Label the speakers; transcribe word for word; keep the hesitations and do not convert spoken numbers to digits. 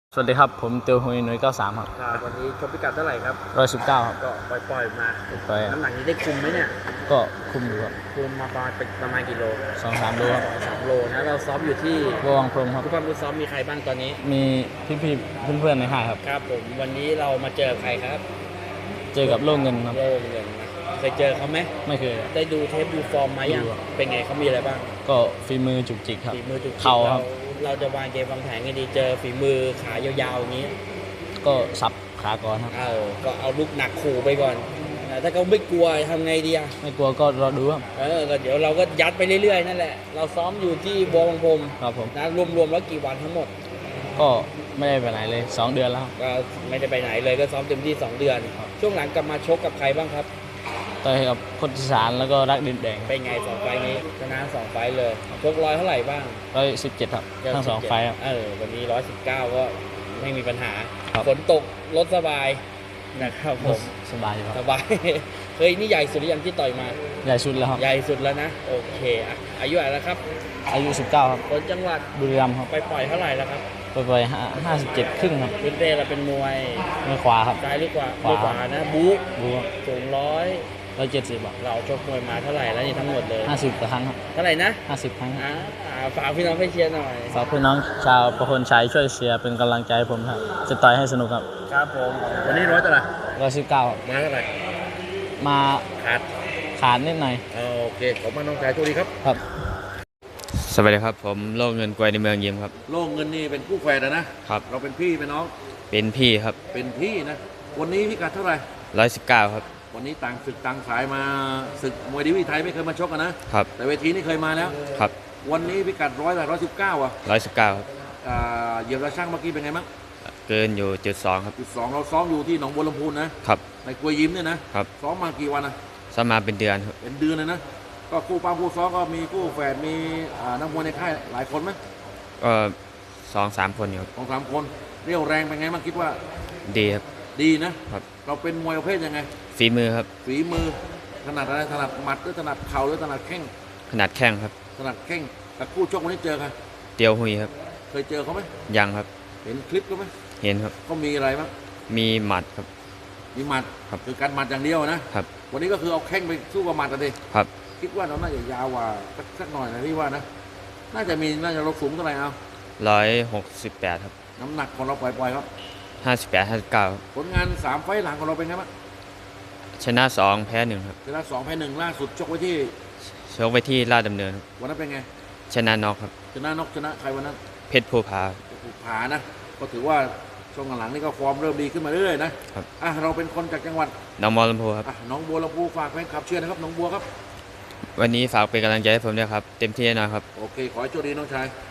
Speaker 1: สวัสดีครับผมเตียวหุยหน่วยเก้าสามครับ
Speaker 2: ครับวันนี้ชกพิกัดเท่าไหร่ครับ
Speaker 1: ร้อยสิบเก้าครับ
Speaker 2: ก็ปล่อยๆมา
Speaker 1: ปล่อย
Speaker 2: น้ำหนักนี้ได้คุมไหมเนี่ย
Speaker 1: ก็คุมอยู่ครับ
Speaker 2: คุมมาประมาณประมาณกี่โล
Speaker 1: สองสามโลครับ
Speaker 2: สองโลนะเราซ้อมอยู่ที่
Speaker 1: วังพรมครับ
Speaker 2: ผู้ปั้มผู้ซ้อมมีใครบ้างตอนนี้
Speaker 1: มีพี่ๆเพื่อนๆในค่ายครับ
Speaker 2: ครับผมวันนี้เรามาเจอใครครับ
Speaker 1: เจอกับโล่เงินครับ
Speaker 2: โล่เงินเคยเจอเขาไหม
Speaker 1: ไม่เคย
Speaker 2: ได้ดูเทปดูฟอร์มมายังเป็นไงเขามีอะไรบ้าง
Speaker 1: ก็ฝีมือจุกจิกครับ
Speaker 2: ฝีมือจุกจิก
Speaker 1: เข่าครับ
Speaker 2: เราจะวางเกมวางแผนกันดีเจอฝีมือขายาวๆอย่างนี้
Speaker 1: ก็สับขาก่อนครับ
Speaker 2: เออก็เอาลูกหนักขู่ไปก่อนถ้าเขาไม่กลัวทำไงดีอ่ะ
Speaker 1: ไม่กลัวก็รอดูครับ
Speaker 2: เออก็เดี๋ยวเราก็ยัดไปเรื่อยๆนั่นแหละเราซ้อมอยู่ที่บัวบางพรม
Speaker 1: ครับผม
Speaker 2: นะรวมๆแล้วกี่วันทั้งหมด
Speaker 1: ก็ไม่ได้ไปไหนเลยสองเดือนแล้ว
Speaker 2: ก็ไม่ได้ไปไหนเลยก็ซ้อมเต็มที่สองเดือนช่วงหลังกลับมาชกกับใครบ้างครับ
Speaker 1: ต่อยกับคนอีสานแล้วก็รักดินแดง
Speaker 2: เป็นไงสองไฟนี้ชนะสองไฟเลยชกร้อยเท่าไหร่บ้าง
Speaker 1: ร้อยสิบเจ็ดครับทั้งสองไฟครับ
Speaker 2: เออวันนี้ร้อยสิบเก้าก็ไม่มีปัญหาฝนตกรถสบายนะครับผม
Speaker 1: สบายครับ
Speaker 2: สบายเฮ้ยนี่ใหญ่สุดหรือยังที่ต่อยมา
Speaker 1: ใหญ่สุดแล้วครับ
Speaker 2: ใหญ่สุดแล้วนะโอเคอ่ะอายุอะไรแล้วครับ
Speaker 1: อายุสิบเก้าครับ
Speaker 2: คนจังหวัด
Speaker 1: บุรีรัมย์ครับ
Speaker 2: ไปปล่อยเท่าไหร่แล้วครับ
Speaker 1: ไปไปห้าสิบเจ็ดครึ่งครับ
Speaker 2: พื้นเพเราเป็นมวย
Speaker 1: มือขวาครับ
Speaker 2: ซ้ายหรือขวามือขวานะบุ๊
Speaker 1: บุ๊
Speaker 2: สูงร้อย
Speaker 1: ร้อยเจ็ดสิบอ่ะ
Speaker 2: เราชกมวยมาเท่าไหร่แล้วนี่ทั้งหมดเลย
Speaker 1: ห้าสิบครั้งครับ
Speaker 2: เท่าไหร่นะ
Speaker 1: ห้าสิบครั้ง
Speaker 2: อ่าฝากพี่น้องไปเชียร์หน่อย
Speaker 1: ฝากพี่น้องชาวประคนชัยช่วยเชียร์เป็นกำลังใจผมครับจะต่อยให้สนุกครับ
Speaker 2: ครับผมวันนี้ร้อยเท่าไหร่
Speaker 1: ร้อยสิบเก้า
Speaker 2: มาเท่าไหร่
Speaker 1: มา
Speaker 2: ขาด
Speaker 1: ขาดนิดหน่อย
Speaker 2: โอเคขอบคุณน้องชายโชคดีครับ
Speaker 1: ครับ
Speaker 3: สวัสดีครับผมโล่เงินกวยในเมืองยิมครับ
Speaker 2: โล่เงินนี่เป็นคู่แฝดนะครับเราเป็นพี่เป็นน้อง
Speaker 3: เป็นพี่ครับ
Speaker 2: เป็นพี่นะวันนี้พิกัดเท่าไหร่
Speaker 3: ร้อยสิบเก้าครับ
Speaker 2: วันนี้ต่างศึกต่างสายมาศึกมวยดีวีไทยไม่เคยมาชกกันนะครับแต่เวทีนี้เคยมาแล้ว
Speaker 3: ครับ
Speaker 2: วันนี้พิกัดร้อยแต่ร้อยสิบเก้าอ่ะ
Speaker 3: ร้อยสิบเก้าครับ
Speaker 2: เหยียบระช่างเมื่อกี้เป็นไงบ้าง
Speaker 3: เกินอยู่จุดสองครับ
Speaker 2: จุดสองเราซ้อมอยู่ที่หนองบัวลำพูนะครับในกวยยิ้มเนี่ยนะครับซ้อมมากี่วันนะ
Speaker 3: ซ้อมมาเป็นเดือนครับ
Speaker 2: เป็นเดือนเลยนะก็คู่ป้าคู่ซ้อมก็มีคู่แฝดมีนักมวยในค่ายหลายคนไหม
Speaker 3: ก็สองสามคนอยู่
Speaker 2: สองสามคนเรี่ยวแรงเป็นไงบ้างคิดว่า
Speaker 3: ดีครับ
Speaker 2: ดีนะครับเราเป็นมวยประเภทยังไง
Speaker 3: ฝีมือครับ
Speaker 2: ฝีมือถนัดอะไรถนัดหมัดหรือถนัดเข่าหรือถนัดแข้ง
Speaker 3: ถนัดแข้งครับ
Speaker 2: ถนัดแข้งแต่คู่ชกวันนี้เจอกัน
Speaker 3: เตียวหุยครับ
Speaker 2: เคยเจอเขาไหม
Speaker 3: ยังครับ
Speaker 2: เห็นคลิปเขาไหม
Speaker 3: เห็นครับ
Speaker 2: ก็มีอะไรบ้าง
Speaker 3: มีหมัดครับ
Speaker 2: มีหมัด
Speaker 3: ครับ
Speaker 2: คือการหมัดอย่างเดียวนะครับวันนี้ก็คือเอาแข้งไปสู้กับหมัดเลย
Speaker 3: ครับ
Speaker 2: คิดว่าเราน่าจะยาวกว่าสักหน่อยนะพี่ว่านะน่าจะมีน่าจะลดสูงเท่าไหร่เอา
Speaker 3: ร้อยหกสิบแปดครับ
Speaker 2: น้ำหนักของเราปล่อยๆครับ
Speaker 3: ห้าสิบแปดห้าสิบเก้า
Speaker 2: ผลงานสามไฟล์หลังของเราเป็นไงบ้าง
Speaker 3: ชนะสองแพ้หนึ่งครับ
Speaker 2: ชนะสองแพ้หนึ่งล่าสุดชกไว้ที่
Speaker 3: ชกไว้ที่ลาดดำเนิน
Speaker 2: วันนั้นเป็นไง
Speaker 3: ชนะน็อกครับ
Speaker 2: ชนะน็อกชนะใครวันนั้น
Speaker 3: เพชรภูผา
Speaker 2: ภูผานะก็ถือว่าช่วงหลังนี่ก็ฟอร์มเริ่มดีขึ้นมาเรื่อยๆนะครับอ่ะเราเป็นคนจากจังหวัด
Speaker 3: หนองบัวลำพูครับ
Speaker 2: อ่ะหนองบัวลำพูฝากแฟนคลับเชียร์นะครับหนองบัวครับ
Speaker 3: วันนี้ฝากเป็นกำลังใจให้ผมด้วยครับเต็มที่แน่นอนครับ
Speaker 2: โอเคขอให้โชคดีน้องชาย